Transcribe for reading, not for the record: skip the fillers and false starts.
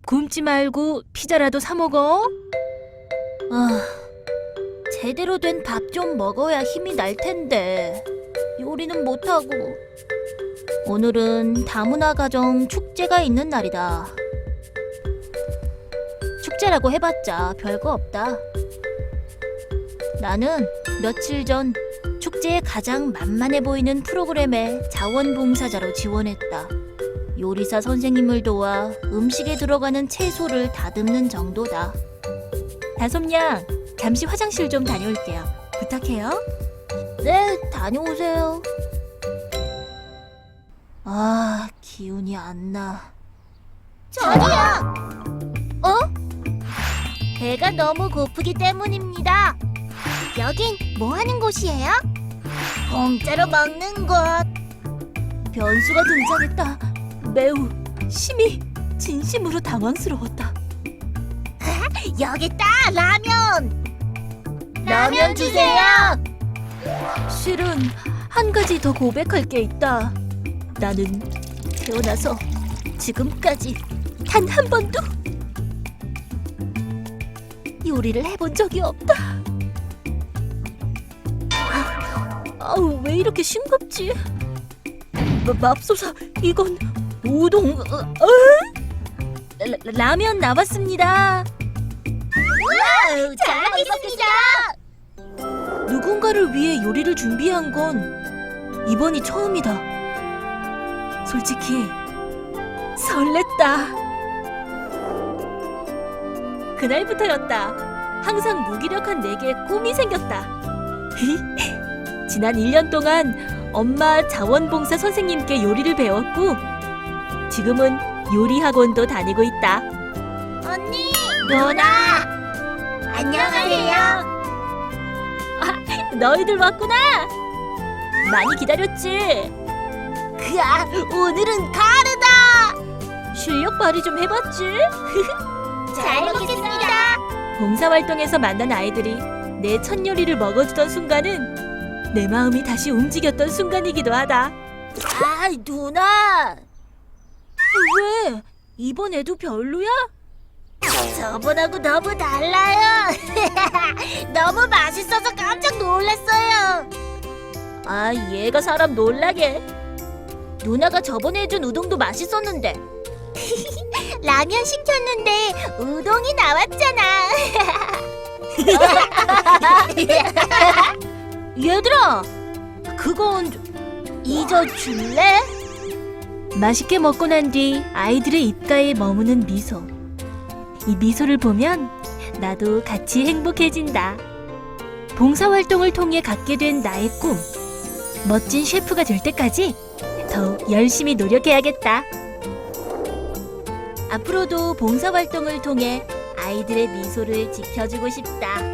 굶지 말고 피자라도 사 먹어. 제대로 된 밥 좀 먹어야 힘이 날 텐데 요리는 못하고. 오늘은 다문화 가정 축제가 있는 날이다. 축제라고 해봤자 별거 없다. 나는 며칠 전 축제에 가장 만만해 보이는 프로그램에 자원봉사자로 지원했다. 요리사 선생님을 도와 음식에 들어가는 채소를 다듬는 정도다. 다솜양, 잠시 화장실 좀 다녀올게요. 부탁해요. 네, 다녀오세요. 기운이 안 나. 저기요! 배가 너무 고프기 때문입니다. 여긴 뭐 하는 곳이에요? 공짜로 먹는 곳. 변수가 등장했다. 매우 심히 진심으로 당황스러웠다. 여기 있다, 라면! 라면 주세요! 실은 한 가지 더 고백할 게 있다. 나는 태어나서 지금까지 단 한 번도 요리를 해본 적이 없다. 왜 이렇게 싱겁지? 맙소사, 이건 우동. 라면 나왔습니다. 잘 먹겠습니다! 누군가를 위해 요리를 준비한 건 이번이 처음이다. 솔직히 설렜다. 그날부터였다. 항상 무기력한 내게 꿈이 생겼다. 지난 1년 동안 엄마 자원봉사 선생님께 요리를 배웠고 지금은 요리 학원도 다니고 있다. 언니! 누나! 안녕하세요. 너희들 왔구나. 많이 기다렸지? 오늘은 가르다! 실력 발휘 좀 해봤지? 잘 먹겠습니다. 봉사활동에서 만난 아이들이 내 첫 요리를 먹어주던 순간은 내 마음이 다시 움직였던 순간이기도 하다. 누나! 왜? 이번에도 별로야? 저번하고 너무 달라요. 너무 맛있어서 깜짝 놀랐어요. 얘가 사람 놀라게. 누나가 저번에 해준 우동도 맛있었는데. 라면 시켰는데 우동이 나왔잖아. 얘들아, 그건 잊어줄래? 맛있게 먹고 난 뒤 아이들의 입가에 머무는 미소. 이 미소를 보면 나도 같이 행복해진다. 봉사활동을 통해 갖게 된 나의 꿈. 멋진 셰프가 될 때까지 더욱 열심히 노력해야겠다. 앞으로도 봉사활동을 통해 아이들의 미소를 지켜주고 싶다.